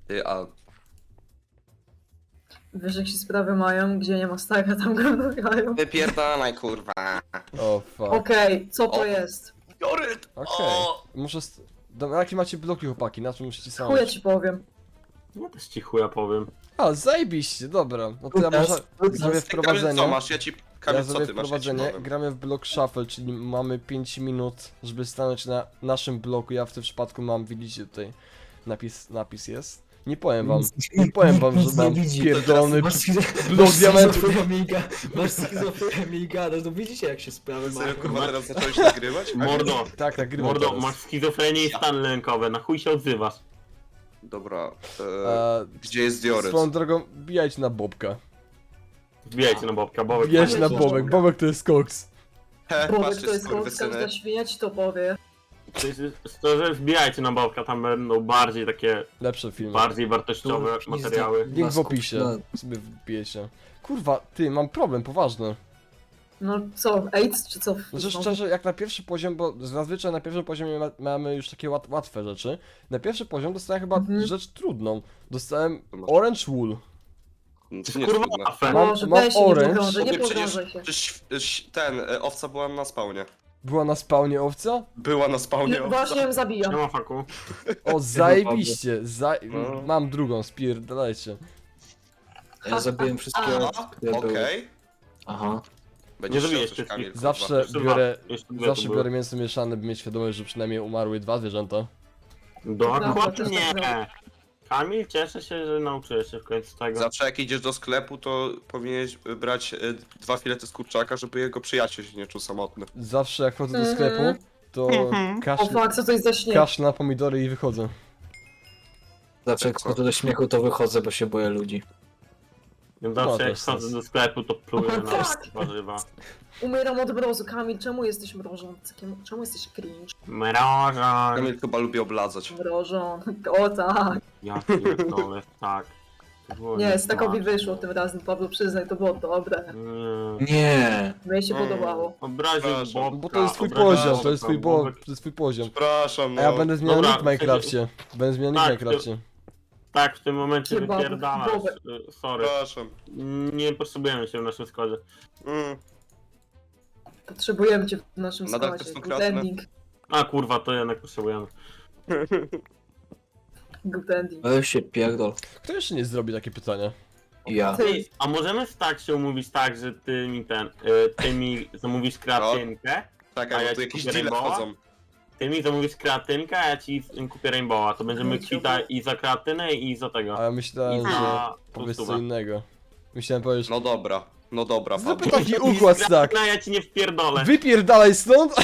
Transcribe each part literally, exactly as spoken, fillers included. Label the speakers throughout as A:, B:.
A: Ty, a
B: Wiesz, jak się sprawy mają, gdzie nie ma staka, tam go dogają.
A: wypierdalaj, kurwa.
C: O fuck.
B: Okej, co to
A: O.
B: jest?
A: Joryt!
C: Okej. Muszę... St... Dobra, jakie macie bloki, chłopaki? Na czym musicie
B: Chuja
C: stanąć?
B: ci powiem.
D: Ja też ci chuja powiem.
C: A, zajebiście, dobra. No to ja
E: Lukas,
C: może
E: Lukas.
C: zrobię
A: Ty, Kamil, co
C: wprowadzenie.
A: masz? Ja ci...
C: Ja
A: Kamil, co
C: zrobię
A: ty masz? Ja ci
C: wprowadzenie.
A: powiem.
C: Gramy w blok shuffle, czyli mamy pięć minut, żeby stanąć na naszym bloku. Ja w tym przypadku mam, widzicie tutaj, napis, napis jest. Nie powiem wam, nie powiem wam, że mam pierdolony
E: Masz
C: blok
E: blok
C: diamentów.
E: schizofrenię, masz schizofrenię i gadasz, no widzicie jak się sprawy
A: Serio,
E: mają.
A: kurwa, teraz zacząłeś nagrywać?
D: Mordo,
C: Tak, tak, grywam
D: mordo,
C: teraz.
D: masz schizofrenię i stany lękowe, na chuj się odzywasz.
A: Dobra, e,
C: A,
A: gdzie jest Joryt?
C: swoją drogą, bijajcie na Bobka.
D: Wbijajcie na Bobka, Bobek.
C: Bijajcie na
B: Bobek.
C: Bobek, Bobek to jest koks.
A: He,
B: Bobek
A: patrzcie,
B: to jest koks,
A: skurwysyny.
B: każda świnia ci to powie.
D: Szczerze, wbijajcie na Bobka, tam będą bardziej takie,
C: Lepsze filmy.
D: bardziej wartościowe
E: Tu nie
D: materiały.
C: Link w
E: Wasków,
C: opisie.
E: no.
C: Sobie wbijecie. Kurwa, ty, mam problem, poważny.
B: No co, AIDS czy co?
C: Znaczy szczerze, jak na pierwszy poziom, bo zazwyczaj na pierwszym poziomie ma, mamy już takie łat, łatwe rzeczy. Na pierwszy poziom dostałem chyba
B: Mhm.
C: rzecz trudną. Dostałem Orange Wool.
A: No,
D: To
A: to nie
D: jest
A: jest
D: kurwa
A: trudne.
D: afera.
C: Mam-
B: Boże,
C: mam
B: weź się, nie
C: orange.
B: pogrążaj, nie
A: Ty przecież-
B: pogrążaj się.
A: Przecież ś- ten, e, owca była na spawnie.
C: Była na spawnie owca?
A: Była na spawnie
B: No,
A: owca.
B: właśnie ją zabijam.
D: Nie ma faku.
C: O, zajebiście! Za...
A: No.
C: Mam drugą, spierdalajcie.
E: Ja zabiłem wszystkie,
A: Aha,
E: które były.
A: okej.
E: Aha.
A: Będziesz
D: Nie
A: chciał
D: zabijesz
A: coś,
D: wszystkich.
A: Kamil, kurwa.
C: Zawsze
D: Jeszcze
C: biorę,
D: dwa. Jeszcze dwie
C: zawsze
D: to były.
C: biorę mięso mieszane, by mieć świadomość, że przynajmniej umarły dwa zwierzęta.
B: Dobra,
D: Dokładnie.
B: też tak
D: Kamil, cieszę się, że nauczyłeś się w końcu tego.
A: Zawsze jak idziesz do sklepu, to powinieneś brać e, dwa filety z kurczaka, żeby jego przyjaciel się nie czuł samotny.
C: Zawsze jak chodzę do
B: Mhm.
C: sklepu, to
B: O
C: kaszl,
B: fuck, co to jest za śnieg?
C: kaszl na pomidory i wychodzę.
E: Zawsze jak
A: Co?
E: wchodzę do śmiechu, to wychodzę, bo się boję ludzi.
C: No,
D: Zawsze
C: też
D: jak wchodzę
C: sens.
D: do sklepu, to pluję na
B: Tak.
D: warzywa.
B: Umieram od mrozu. Kamil, czemu jesteś mrożącym? Czemu jesteś cringe?
D: Mroża.
A: Kamil chyba lubi obladzać.
B: Mrożą. O tak.
D: Ja pierdolę, tak. To było
B: Nie, Stakowi
D: nieważne.
B: wyszło tym razem, Pablo, przyznaj, to było dobre.
D: Nie.
E: Nie.
B: Mnie się
A: Mm.
B: podobało.
D: Obraził
A: Przepraszam.
D: Bobka.
C: Bo to jest twój
D: obraził
C: poziom, to
D: Bobka,
C: jest twój, bo,
D: Bobek-
C: to jest twój poziom.
A: Przepraszam, no.
C: A ja będę zmieniał
D: Dobra,
C: nick w Minecrafcie. Będę zmieniał nick w
D: Tak, to-
C: Minecrafcie.
D: Tak, w tym momencie
B: Kebab,
D: wypierdalasz.
B: Bobek.
D: y, Sorry.
A: Przepraszam.
D: Nie potrzebujemy się w naszym składzie.
A: Mm.
B: Potrzebujemy cię w naszym
A: Nadal
B: składzie.
A: to są
B: Good
A: kratne?
B: ending.
D: A kurwa, to jednak potrzebujemy.
B: Good ending.
E: Weź się pierdol.
C: Kto jeszcze nie zrobi takie pytania?
E: Ja.
B: Ty.
D: Ej, a możemy tak się umówić tak, że ty mi ten, y, ty mi zamówisz kreatynkę, A
A: Czekaj,
D: ja
A: bo tu
D: ci
A: jakieś
D: kupię
A: deale
D: Rainbowa?
A: wchodzą.
D: ty mi zamówisz kreatynkę, a ja ci kupię Rainbowa. To będziemy
B: No,
D: kwita i za kreatynę i za tego.
C: A ja myślałem,
D: I
C: że
D: za
C: powiesz co
D: stówę.
C: innego. Myślałem powiedzieć,
A: No dobra, no dobra,
C: zróbmy
A: Pablo.
C: taki układ, tak.
D: No ja ci nie wpierdolę.
C: Wypierdalaj stąd!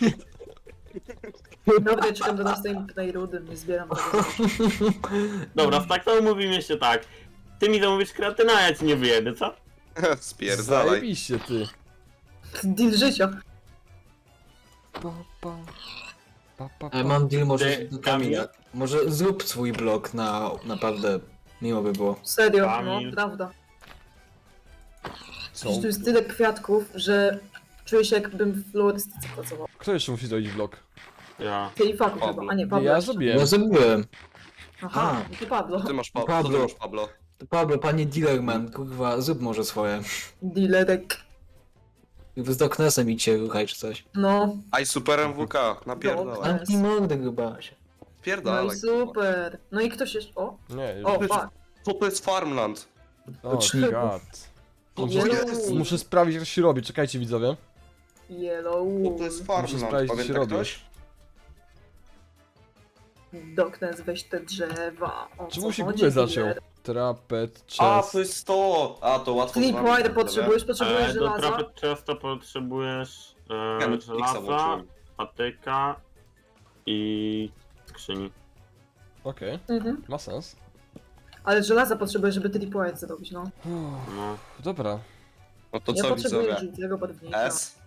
B: Dobra, czekam do następnej rudy, nie zbieram tego.
D: Dobra, tak to umówimy się tak. Ty mi zamówisz kreatynę, a ja ci nie wyjedę, co?
A: Spierdalaj.
C: Zajebiście ty.
B: Deal życia.
C: Pa, pa. Pa, pa,
E: Ale
C: pa.
E: mam deal może
D: Ty,
E: do Kamila. Może zrób swój blog na naprawdę miło by było.
B: Serio, no,
D: Kamil.
B: prawda.
C: Co?
B: Przecież tu jest tyle kwiatków, że czuję się jakbym w florystyce pracował.
C: Kto jeszcze musi zrobić vlog?
D: Ja.
B: Ty i Faku
A: Pablo.
B: chyba, a nie Pablo
C: Ja
B: jeszcze.
C: zrobiłem.
E: Ja zrobiłem.
B: Aha,
E: A.
B: i ty Pablo.
A: Ty masz, pa
E: Pablo.
A: Co ty masz, Pablo?
E: Pablo, panie dealerman, kurwa, zrób może swoje.
B: Dealerek.
E: Z Doknesem idźcie ruchaj czy coś.
B: No,
A: Aj, super M W K, napierdalaj.
B: Dobra.
E: Zamknij mordę, grubasie.
B: no
A: Pierdalaj.
B: i super. No i ktoś jeszcze... O,
C: Nie, już.
B: o, fuck.
A: Co to jest Farmland?
C: O,
E: Zacznij.
C: god. Muszę,
B: Yellow.
C: muszę sprawdzić jak to się robi, czekajcie widzowie.
B: Yellow.
A: Co to jest
C: Muszę
A: Farmland?
C: sprawdzić, co się
A: Pamięta
C: robi.
A: ktoś?
B: Doknes, weź te drzewa. O,
C: Czemu
B: co
C: się
B: chodzi,
C: Google zaciął?
B: dealer?
C: Trapet,
A: A,
C: chest.
A: to jest to! A, to łatwo z wami
B: Sleepwire
A: będę,
B: potrzebujesz, potrzebujesz
D: E, do
B: żelaza?
D: trapy często potrzebujesz
A: nie? Ja
D: e,
A: Netflixa
D: żelaza,
A: włączyłem.
D: patyka i skrzyni.
C: Okej,
B: Mhm.
C: ma sens.
B: Ale żelaza potrzebujesz, żeby tripwire zrobić, no.
C: Uff,
D: No.
C: dobra.
A: No to
B: Ja
A: co
B: potrzebuję
A: widzowie?
B: żółtego barwnika.
A: S?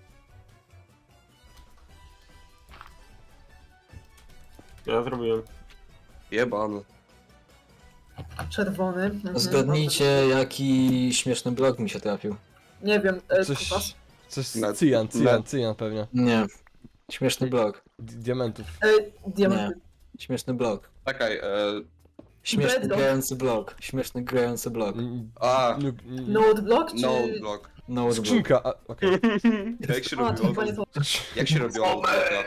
D: Ja zrobiłem.
A: Jebany.
B: Czerwony. Mhm.
E: Zgadnijcie, jaki śmieszny blog mi się trafił.
B: Nie wiem, e,
C: Coś...
B: kupas.
C: Coś
A: Net-
C: z cyjan, cyjan,
A: net-
C: cyjan pewnie.
E: Nie. Śmieszny blog.
C: Di- Diamentów.
B: E, diamenty.
E: Śmieszny blog.
A: Czekaj, e,
E: Śmieszny
B: Bedrock.
E: grający blok. Śmieszny grający blok.
C: N-
A: A,
C: n- n-
B: Node block czy...
A: no block.
E: No block.
C: Skrzynka, a, okej.
A: Jak się
B: A, to
A: robiło?
B: chyba nie to.
A: Jak się robiło notblocka?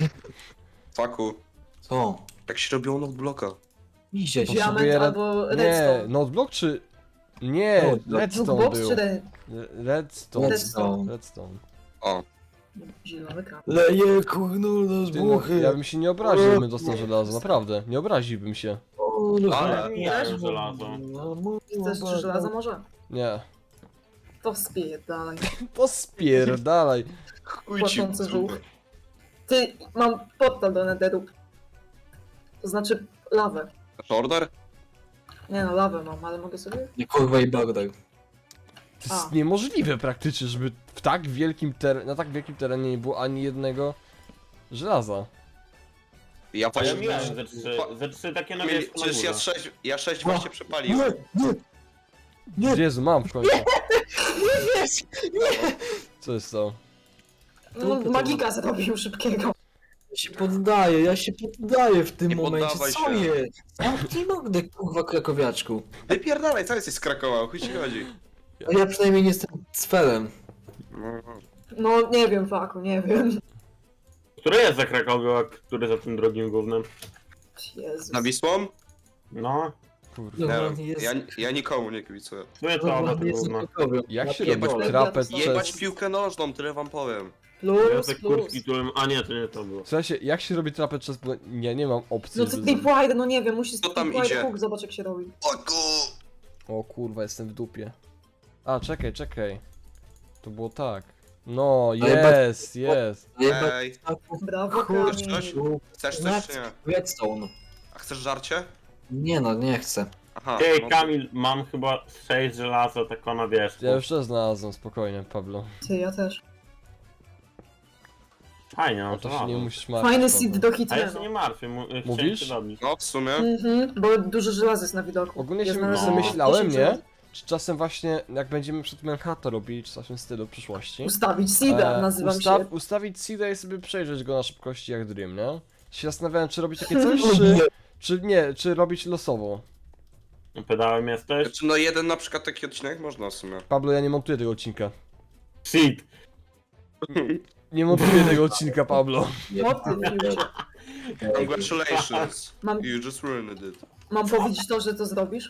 A: Faku.
E: Co?
A: Jak się robiło notblocka?
E: Idzie się.
C: Potrzebuję
B: Diament
C: red-
B: albo
C: Nie,
B: redstone.
C: noteblock czy... Nie,
E: Noteblock.
C: redstone
B: Jukebox
C: był.
B: czy red...
C: Redstone.
E: Redstone.
C: Redstone.
A: O,
B: Zielony kran.
E: Leje kurno z
C: Ty, no,
E: buchy.
C: ja bym się nie obraził, gdybym dostał żelazo, naprawdę. Nie obraziłbym się.
A: Ale-
D: Nie wiem, żelazo.
B: Chcesz trzy żelaza może?
C: Nie.
B: To spierdalaj.
C: To spierdalaj.
A: chuj ci w
B: Płaczący żółw.
A: dupę.
B: Ty, mam portal do netheru. To znaczy lawę.
A: Order?
B: Nie no, lawę mam, ale mogę sobie...
E: Nie kurwa i bagdaj.
C: To jest
B: A.
C: niemożliwe praktycznie, żeby w tak wielkim ter... na tak wielkim terenie nie było ani jednego żelaza.
A: Ja
D: Ja
A: właśnie...
D: miałem ze trzy, ze trzy takie na
A: Mieli,
D: wierzchu na
A: przecież ja
D: górze.
A: sześć, ja sześć
E: No.
A: właśnie przepaliłem.
E: Nie, nie.
C: Jezu, mam w końcu.
E: Nie wiesz!
C: Co jest to?
B: No, magika zrobił szybkiego.
E: Ja się poddaję, ja się poddaję w tym
A: Nie
E: momencie.
A: poddawaj
E: Co
A: się.
E: jest? Zamknij mordę, kurwa krakowiaczku.
A: Wypierdalaj, co jesteś z Krakowa, o chuj ci chodzi?
E: A ja przynajmniej nie jestem cfelem.
A: No,
B: No, nie wiem, faku, nie wiem.
D: Który jest za Krakowią, a który za tym drugim głównym?
B: Jezus.
A: na Wisłą?
D: No,
C: Kurwa.
A: Nie
E: Dobra,
A: wiem,
E: jest-
A: ja, ja nikomu nie kibicuję.
D: który to
E: Dobra,
D: oba te
E: jest
D: gówna.
E: za Krakowią.
C: Jak się
E: Ja
C: robi
E: pierdolę.
C: trapet
A: Jebać
C: przez...
A: piłkę nożną, tyle wam powiem.
B: Plus,
D: Jacek
B: plus.
D: Kurski, którym... A nie, to nie to było.
C: Słuchajcie, jak się robi trapet przez... Nie, nie mam opcji,
B: No to
C: żeby...
B: tripwide, no nie wiem, musisz
A: Co tam
B: tripwide
A: idzie?
B: hook, zobacz jak się robi.
A: O ku...
C: O kurwa, jestem w dupie. A, czekaj, czekaj. To było tak. No,
E: Ale
C: jest, jest.
E: Jebać
A: Ej,
E: taków,
B: Brawo,
E: Kurczę,
B: Kamil.
E: kurwa.
A: chcesz coś czy nie?
E: Redstone.
A: A chcesz żarcie?
E: Nie no, nie chcę.
A: Aha,
D: Ej,
A: no to-
D: Kamil, mam chyba sześć żelaza, tak na wierzchu.
C: Ja już też znalazłem, spokojnie, Pablo.
B: Ty, ja też.
D: Fajnie, no
C: O
D: to
C: to się nie
D: ważne.
C: musisz martwić.
B: Fajny
C: Pablo.
B: seed do
D: A ja się
B: hitrego.
D: nie martwię, mu- chciałem
C: Mówisz?
D: się dobić.
A: No w sumie.
B: Mhm, bo dużo żelaza jest na widoku.
C: Ogólnie
B: Ja
C: się
B: znalazłem
D: no.
C: zamyślałem,
B: dziesięć
C: nie?
B: żelaza.
C: Czy czasem właśnie, jak będziemy przed Manhattan robili, czy coś w tym stylu w przyszłości.
B: Ustawić seeda,
C: e,
B: nazywam
C: usta-
B: się.
C: Ustawić seeda i sobie przejrzeć go na szybkości jak Dream, nie? Się zastanawiałem, czy robić takie coś, czy, czy nie, czy robić losowo.
D: Pedałem jesteś?
A: Znaczy, no jeden na przykład taki odcinek można w sumie.
C: Pablo, ja nie montuję tego odcinka.
D: Shit!
C: Nie montuję tego odcinka, Pablo.
B: O ty, Fiucie.
A: Congratulations.
B: Mam,
A: You just ruined it.
B: mam powiedzieć to, że to zrobisz?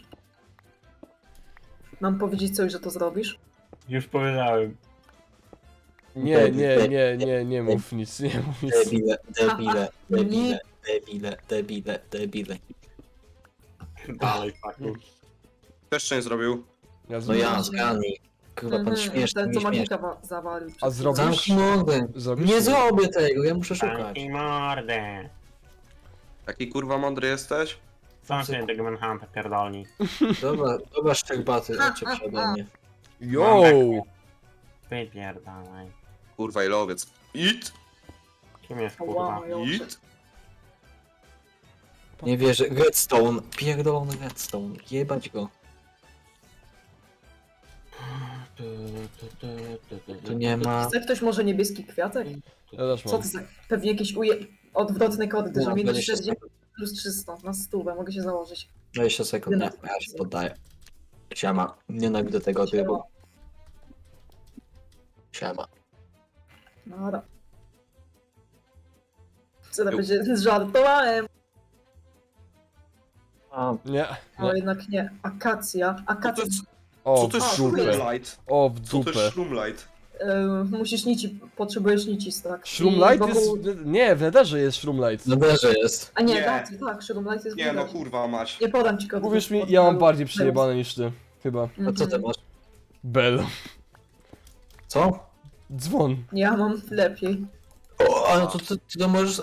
B: Mam powiedzieć coś, że to zrobisz?
D: Już powiedziałem.
C: Nie, nie, nie, nie, nie mów nic, nie mów nic.
E: Debile, debile, debile, debile, debile, debile.
D: Dalej, faku.
A: Też jeszcze nie zrobił.
C: Ja
E: No ja,
C: zrobię.
E: zgadnij. Kurwa, pan
B: Mhm,
E: śmieszny,
B: ten,
E: nie
B: co
E: śmieszny.
B: magika wa- zawalił.
C: A zrobisz?
E: Zamknij mordę.
C: Zrobisz?
E: Nie zrobię tego, ja muszę szukać.
D: Taki mordę.
A: Taki kurwa mądry jesteś?
D: Sam się tego Manhunta pierdolni.
E: Dobra, dobra szczerbaty, odciep się ode mnie.
C: Yo!
D: Wypierdalaj.
A: Kurwa ilowiec. It!
D: Kim jest kurwa?
B: Wow, ją
A: It!
E: Nie wierzę, redstone, pierdolony redstone, jebać go. Tu nie ma...
B: Chce ktoś może niebieski kwiatek?
C: Ja też
B: Co
C: mam.
B: to za... Pewnie jakieś uje... odwrotne kody, że
E: No,
B: minus
E: dwadzieścia
B: sześćdziesiąt plus trzysta na stówę, mogę się założyć.
E: dwadzieścia sekund, nie, ja się poddaję. Siema, nienawidzę tego trybu. Siema.
B: Nara. Co to będzie? Żartowałem,
E: A,
C: Nie.
B: ale
C: nie.
B: jednak nie. Akacja.
A: Co to
B: Akacja.
A: jest,
C: O,
A: co
C: w
A: to jest
B: dupę.
A: Shroomlight?
C: O, w
A: Co to
C: dupę.
A: jest Shroomlight?
B: Yy, musisz nici, potrzebujesz nici, tak.
C: Shroomlight
B: I wokół-
C: jest... Nie, w Netherze jest Shroomlight.
E: na derze jest.
B: A nie,
A: Nie.
B: tak, tak, Shroomlight jest
A: Nie no
B: widać.
A: kurwa mać.
B: Nie podam ci kodu.
C: Uwierz mi,
B: pod-
C: ja mam
B: pod-
C: bardziej przejebane niż ty. Chyba.
E: A co ty
B: Mhm.
E: masz?
C: Bell.
E: Co?
C: Dzwon.
B: Ja mam lepiej.
E: O, ale to ty, ty to możesz...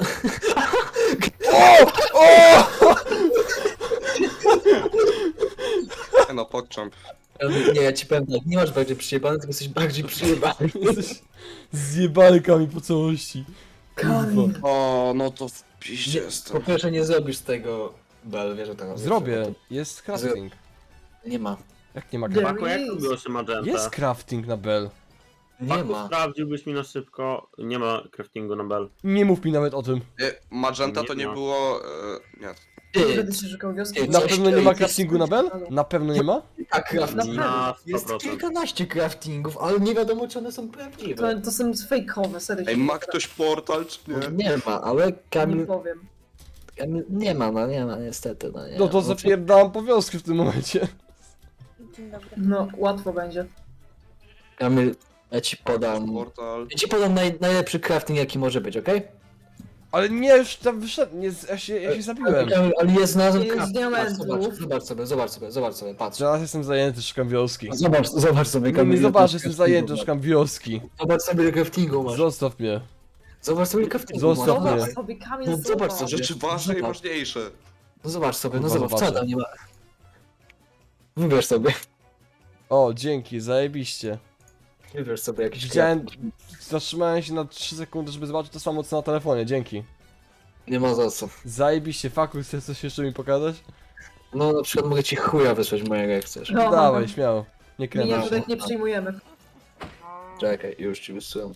A: Nie no, pokcząp.
E: Nie, ja ci powiem tak, nie masz bardziej przyjebany, tylko jesteś bardziej przyjebany.
C: Jesteś zjebalkami po całości.
B: Kamil.
A: O, no to w
E: Nie,
A: piździe
E: po
A: jestem.
E: pierwsze nie zrobisz tego... Bel, wiesz o tego.
C: Zrobię. Jest crafting.
E: Nie ma.
C: Jak nie ma
B: There
C: crafting?
D: Faku, jak to
B: is.
D: było się magenta?
C: Jest crafting na Bell.
E: Nie
D: Faku,
E: ma.
D: sprawdziłbyś mi na szybko. Nie ma craftingu na bell.
C: Nie mów mi nawet o tym.
A: E, Magenta to
D: Nie
A: nie
D: ma.
A: było... E, nie.
B: Nie
E: Ty,
B: będę się szukał wioski.
E: Ty,
C: Na
E: coś
C: pewno nie
E: ty,
C: ma
E: ty
C: craftingu na Bel? Na pewno nie ma?
E: a crafting?
D: Na
E: Jest
D: sto procent.
E: kilkanaście craftingów, ale nie wiadomo czy one są
B: To,
E: prawdziwe.
B: to są fejkowe, serio.
A: Ej,
B: się
A: ma
B: nie
A: ktoś portal, czy nie?
E: Nie ma, ale
B: Nie
E: Kamil,
B: powiem.
E: Kamil nie ma, no nie ma niestety, no nie
C: No to
E: ma.
C: zapierdalam po wioski w tym momencie.
F: Dzień dobry.
B: No, łatwo będzie.
E: Kamil, ja ci podam,
A: Portal.
E: ja ci podam naj, najlepszy crafting jaki może być, okej?
C: Ale nie, już tam wyszedł, nie, ja się, ja się zabiłem.
E: Kamil, ale jest znalazłem
B: Jest
E: crafting,
B: diamentów.
E: zobacz, zobacz sobie, zobacz sobie, zobacz sobie, patrz.
C: Teraz jestem zajęty, szukam wioski.
E: Zobacz, zobacz sobie
C: No
E: Kamil.
C: nie
E: ile
C: zobacz,
E: tu
C: jestem
E: craftingu
C: zajęty,
E: masz.
C: szukam wioski.
E: Zobacz sobie ile craftingu masz.
C: Zostaw mnie.
E: Zobacz sobie ile craftingu
C: Zostaw
E: masz.
C: mnie.
B: Zobacz sobie, Kamil,
E: No, zobacz
B: zobacz.
E: sobie.
A: Rzeczy ważne i
E: Zobacz.
A: ważniejsze.
E: No zobacz sobie, no
C: Kurwa,
E: zobacz, co
C: zobaczę.
E: tam nie ma. Wybierz sobie.
C: O, dzięki, zajebiście.
E: Wybierz sobie jakiś
C: Widziałem, zatrzymałem się na trzy sekundy, żeby zobaczyć to samo co na telefonie, dzięki.
E: crafting. Nie ma za co.
C: Zajebiście, faku, chcesz coś jeszcze mi pokazać?
E: No na przykład mogę ci chuja wysłać mojego jak chcesz.
B: No.
C: Dawaj, śmiało. Nie kręcę.
B: Miniaturek nie przyjmujemy.
E: Czekaj, już ci wysyłam.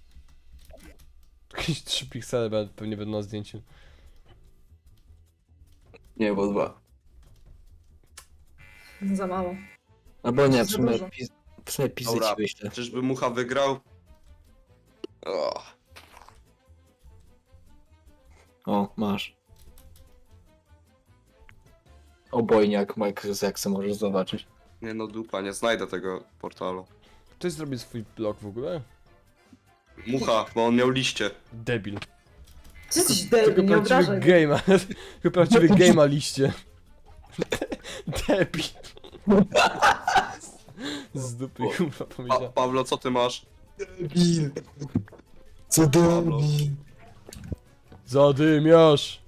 C: Jakieś trzy piksele be- pewnie będą na zdjęciu.
E: Nie, bo dwa.
B: Za mało.
E: Albo nie, w
B: Za
E: sumie,
B: dużo.
E: pis, w sumie pizzy
A: Dobra,
E: ci wyślę.
A: czyżby Mucha wygrał? O,
E: O, masz. Obojniak Microsoft, jak se możesz zobaczyć.
A: nie no dupa, nie znajdę tego portalu.
C: Ktoś zrobił swój blog w ogóle?
A: Mucha, bo on miał liście.
C: Debil.
B: Ty jesteś
C: Tylko
B: debil, nie
C: prawdziwy
B: obrażaj. mnie.
C: game, tylko prawdziwy game ma liście. Debil. Z dupy kurwa
A: Pa
C: powiedział.
A: Pawlo, co ty masz?
E: Debil. Co
A: debil.
C: Zadymiasz!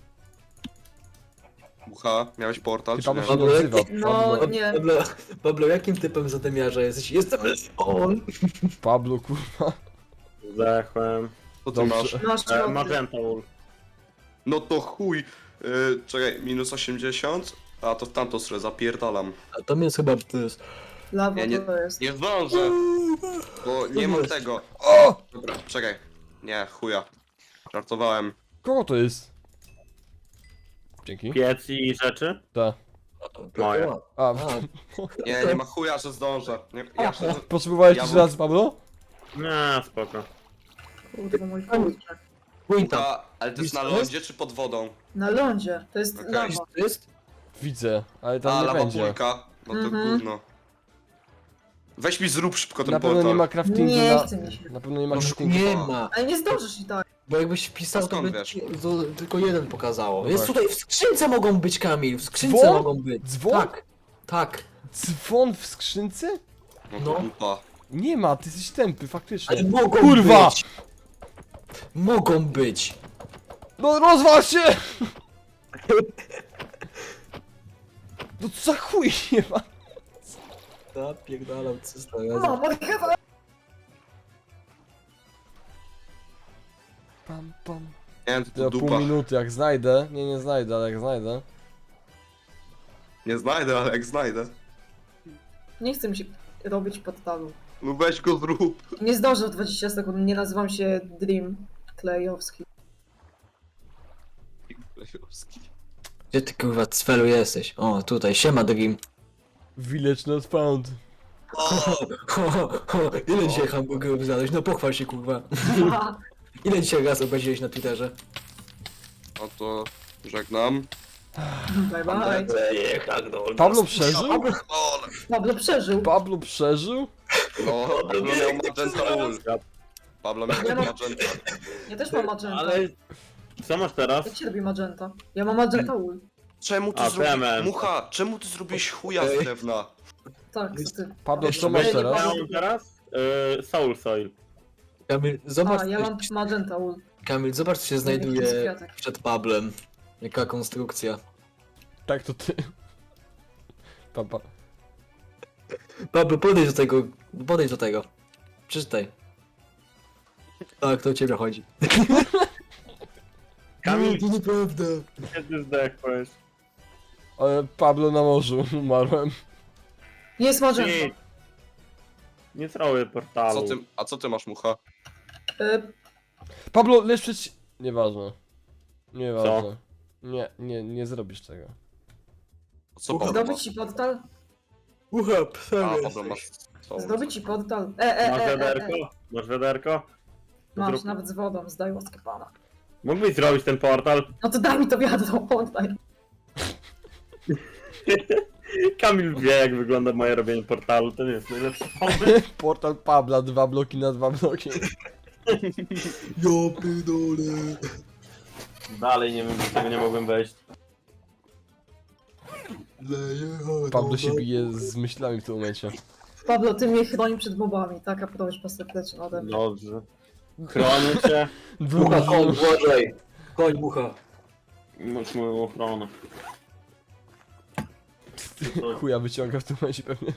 A: Mucha, miałeś portal,
C: Ty
A: czy
C: Pablo
A: nie?
C: się nie odzywa.
B: No,
C: Pablo,
B: nie.
E: Pablo, Pablo, jakim typem zadymiarza jesteś? Jestem on.
C: Pablo kurwa.
D: Zdechłem.
A: Co ty
C: Dobrze.
A: masz?
B: Masz
D: E,
B: człowiek.
D: Magenta Wool.
A: No to chuj. Yy, czekaj, minus osiemdziesiąt? A to w tamtą stronę, zapierdalam.
E: A to jest chyba to jest.
B: Lawa
A: Nie, nie-
B: to jest.
A: Nie zdążę, bo nie mam
E: jest?
A: tego.
C: O!
A: Dobra, czekaj. Nie, chuja. Żartowałem.
C: Kogo to jest? Dzięki.
D: Piec i rzeczy.
C: Ta.
D: Moje.
C: A,
E: A,
A: Nie, nie ma chuja, że zdążę. Nie, ja się...
C: potrzebowałeś
A: Ja
C: jeszcze
A: bym-
C: raz Pablo?
D: Nie, spoko.
B: Kurwa, mój kurczak.
E: Pójdź tam.
A: Mucha, ale to jest na
E: Widzisz, to jest?
A: lądzie czy pod wodą?
B: Na lądzie. To jest
A: Okej.
B: lawa.
E: To jest?
C: Widzę, ale tam
A: A,
C: nie
A: lawa
C: będzie.
A: pulka. No to
B: Mhm.
A: gówno. Weź mi zrób szybko ten
C: Na pewno
A: portal.
C: nie ma craftingu
B: Nie
C: na...
B: chce mi się.
C: Na pewno nie ma
E: No,
C: craftingu.
E: nie ma.
B: Ale nie zdążysz i tak.
E: Bo jakbyś wpisał,
A: A
E: to
A: skąd
E: by
A: wiesz?
E: ci- to tylko jeden pokazało.
C: No
E: Jest
C: tak.
E: tutaj, w skrzynce mogą być, Kamil, w skrzynce
C: Dzwon?
E: mogą być.
C: Dzwon?
E: Tak, tak.
C: Dzwon w skrzynce?
A: No to
E: No.
A: dupa.
C: Nie ma, ty jesteś tępy, faktycznie.
E: Ale mogą
C: Kurwa!
E: być. Mogą być.
C: No rozwal się! No co za chuj nie ma?
E: Zapierdalam cysta
B: No, Morgana.
C: Pam, pam.
A: Nie, to,
C: To
A: to
C: pół
A: dupa.
C: minuty, jak znajdę. Nie, nie znajdę, ale jak znajdę.
A: Nie znajdę, ale jak znajdę.
B: Nie chce mi się robić portalu.
A: No weź go zrób.
B: Nie zdążę w dwadzieścia sekund, nie nazywam się Dream Klejowski.
E: Gdzie ty kurwa cwelu jesteś? O, tutaj, siema Dream.
C: Village not found.
E: Ho, ho, ho, ile dzisiaj hamburgerów zjadłeś? No pochwal się kurwa. Ile dzisiaj raz obraziłeś na Twitterze?
A: No to żegnam.
B: Bye bye.
C: Pablo przeżył?
A: Ole.
B: Pablo przeżył.
C: Pablo przeżył?
A: No, Pablo miał magenta ul. Pablo miał
B: Ja mam-
A: magenta.
B: Ja też mam magenta.
D: Ale... Co masz teraz?
B: Jak się robi magenta? Ja mam magenta ul.
A: Czemu ty
D: A,
A: zrobiłeś...
D: Clement.
A: Mucha, czemu ty zrobiłeś chuja z
E: Ej.
A: drewna?
B: Tak, co ty?
C: Pablo, co
E: Jeszcze
C: masz
B: będzie
C: teraz?
B: Pablo.
D: Ja mam teraz? Yy, Soul Soil.
E: Kamil, zobacz,
B: A, ja
E: co
B: mam
E: się-
B: magenta ul.
E: Kamil, zobacz co się
B: Jakiś
E: znajduje
B: kwiatek.
E: przed Pablem. Jaka konstrukcja.
C: Tak, to ty. Papa.
E: Pablo, podejdź do tego, podejdź do tego. Przeczytaj. Tak, to o ciebie chodzi.
D: Kamil,
E: Nie, to nieprawda.
D: kiedy zdechłeś?
C: Ale Pablo na morzu, umarłem.
B: Jest magenta.
D: Nie. Nie zrobię portalu.
A: Co ty, a co ty masz, Mucha?
B: Y,
C: Pablo, lecz przecież... Nieważne. Nieważne. Nie, nie, nie zrobisz tego.
A: Co Pablo ma?
B: Zdobyć ci portal?
E: Ucha,
A: A,
E: psa
A: Pablo masz... co?
B: Zdobyć ci portal? E, e,
D: Masz
B: e, e, e.
D: wiaderko? Masz wiaderko?
B: Masz,
D: Zrób-
B: nawet z wodą, zdaj łaskę pana.
D: Mógłbyś zrobić ten portal?
B: No to daj mi to wiadro, oddaj.
D: Kamil wie, jak wygląda moje robienie portalu, to nie jest najlepszy pomysł.
C: Portal Pabla, dwa bloki na dwa bloki.
E: Ja pierdolę.
D: Dalej nie wiem, dlaczego nie mogłem wejść.
E: Leje,
C: Pablo się bije z myślami w tym momencie.
B: Pablo, ty mnie chroni przed mobami, taka prośba serdeczna ode mnie.
D: Dobrze. Chronię cię.
E: Mucha, koń, uważaj. Koń, mucha.
D: Masz moją ochronę.
C: Chuja wyciąga w tym momencie pewnie.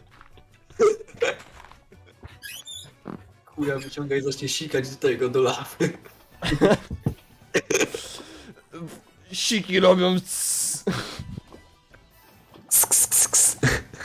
E: Chuja wyciąga i zacznie sikać do tego, do lawy.
C: Siki robią cs.
E: Ks, ks, ks, ks.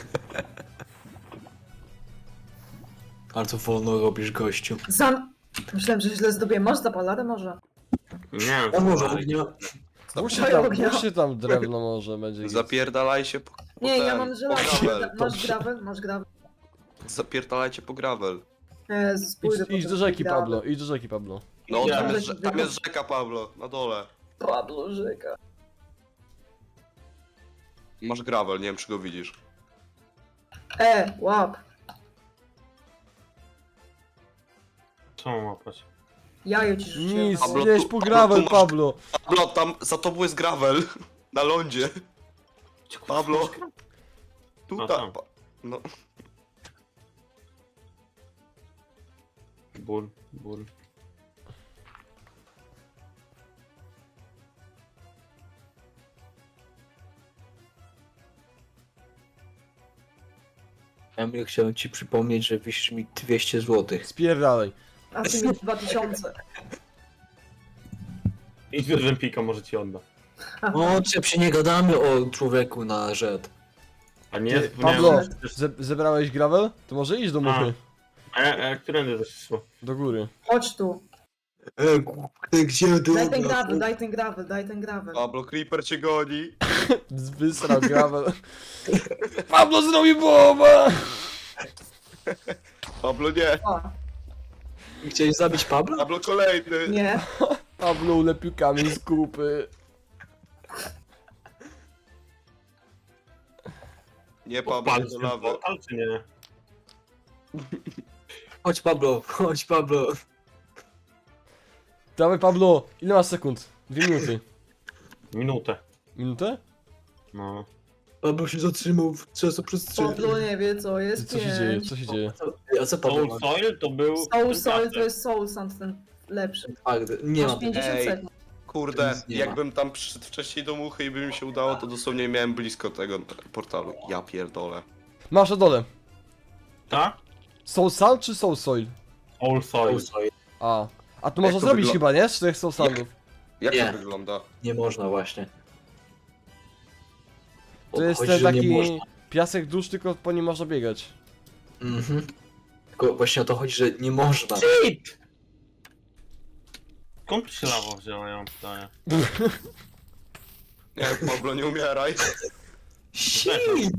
E: Ale to wolno robisz, gościu.
B: Zam... Myślałem, że źle zdobię. Masz zapaladę może?
D: Nie wiem,
E: Ja może
D: dalej.
E: ognia.
C: Musi tam, musi tam drewno może będzie.
A: Zapierdalajcie po... po
B: Nie, ja
A: ten,
B: mam
A: po
B: żelazo.
A: gravel.
B: Masz gravel? Masz gravel?
A: Zapierdalajcie po gravel.
B: Jezus, pójdę
C: Idź, idź
B: po
C: do
B: ten
C: rzeki
B: gravel.
C: Pablo, idź do rzeki Pablo.
A: No,
D: Ja.
A: tam jest, rze- tam jest rzeka, Pablo, na dole.
B: Pablo, rzeka.
A: Masz gravel, nie wiem czy go widzisz.
B: E, łap.
D: Co mam łapać?
B: Jajo ci rzuciłem.
C: Nic,
A: Pablo,
C: gdzieś
A: tu-
C: po
A: Pablo,
C: gravel
A: tu masz-
C: Pablo.
A: Pablo, tam za tobą jest gravel. Na lądzie. Pablo.
D: A
A: Tutaj.
D: tam.
A: Pa- no.
D: Ból, ból.
E: Emil, chciałem ci przypomnieć, że wisisz mi dwieście złotych.
C: Spierdalaj.
B: A ty mi dwa tysiące.
D: Idź do Rzępika, może ci odda.
E: O, czep się nie gadamy o człowieku na rzet.
D: A nie,
C: Ty,
D: zapomniałem,
C: Pablo,
D: że przecież-
C: ze zebrałeś gravel? To może iść do muchy.
D: A, a, a którędy zeszło?
C: Do góry.
B: Chodź tu.
E: E, kurde, gdzie ty?
B: Daj ten gravel, daj ten gravel, daj ten gravel.
A: Pablo, Creeper cię goni.
C: Wysrał gravel. Pablo zrobił boba!
A: Pablo nie.
B: O,
E: Chciałeś zabić Pabla?
A: Pablo kolejny.
B: nie.
C: Pablo ulepił kamień z kupy.
A: Nie, Pablo,
D: Odpalić
A: do
D: ten
A: lawy.
D: portal, czy nie?
E: Chodź Pablo, chodź Pablo.
C: Dawaj Pablo, ile masz sekund? Dwie minuty.
D: Minutę.
C: Minutę?
D: No.
E: Pablo się zatrzymał w czasoprzestrzeni.
B: Pablo nie wie co jest
C: Co się dzieje?
B: pięć.
C: Co się dzieje?
E: A co Pablo
D: Soul
E: ma?
D: Soil to był...
B: Soul
D: ten
B: Soul to
D: piasek.
B: jest Soul Sand, ten lepszy.
E: Twardy. Nie
B: Masz
E: mam.
B: pięćdziesiąt
A: Ej.
B: sekund.
A: Kurde,
E: Nic nie ma.
A: jakbym tam przyszedł wcześniej do muchy i by mi się udało, to dosłownie miałem blisko tego portalu. Ja pierdolę.
C: Masz na dole.
D: Tak?
C: Soul Sand czy Soul Soil?
D: Soul Soil.
C: A. A to
A: Jak
C: można
A: to
C: zrobić
A: wyglo-
C: chyba, nie? Z czterech Soul Sandów.
A: Jak
E: Nie.
A: to wygląda?
E: Nie można właśnie.
C: To jest
E: Chodzi,
C: ten
E: że nie
C: taki
E: można.
C: piasek dusz, tylko po nim można biegać.
E: Mhm. Tylko właśnie o to chodzi, że nie można.
D: Shit! Skąd tu się lawa wzięła, ja mam pytanie.
A: Nie, Pablo, nie umieraj.
E: Shit!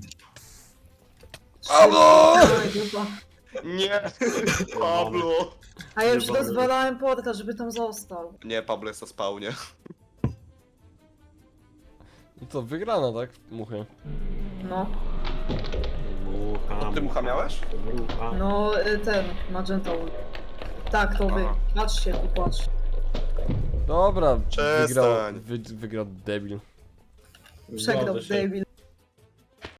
C: Pablo!
B: Oj, dupa.
A: Nie, Pablo.
B: A ja już
A: Dobra.
B: rozwalałem portal, żeby tam został.
A: Nie, Pablo jest na spawnie.
C: No to wygrana, tak? Muchy.
B: No.
D: Mucha,
A: Ty mucha miałeś?
D: Mucha.
B: No, y, ten, Magenta Ult. Tak, to wy.
A: Aha.
B: Patrzcie, tu patrz.
C: Dobra, wygrał,
A: Przestań.
C: wy, wygrał debil.
B: Przegrał
D: Zgodzę się.
B: David.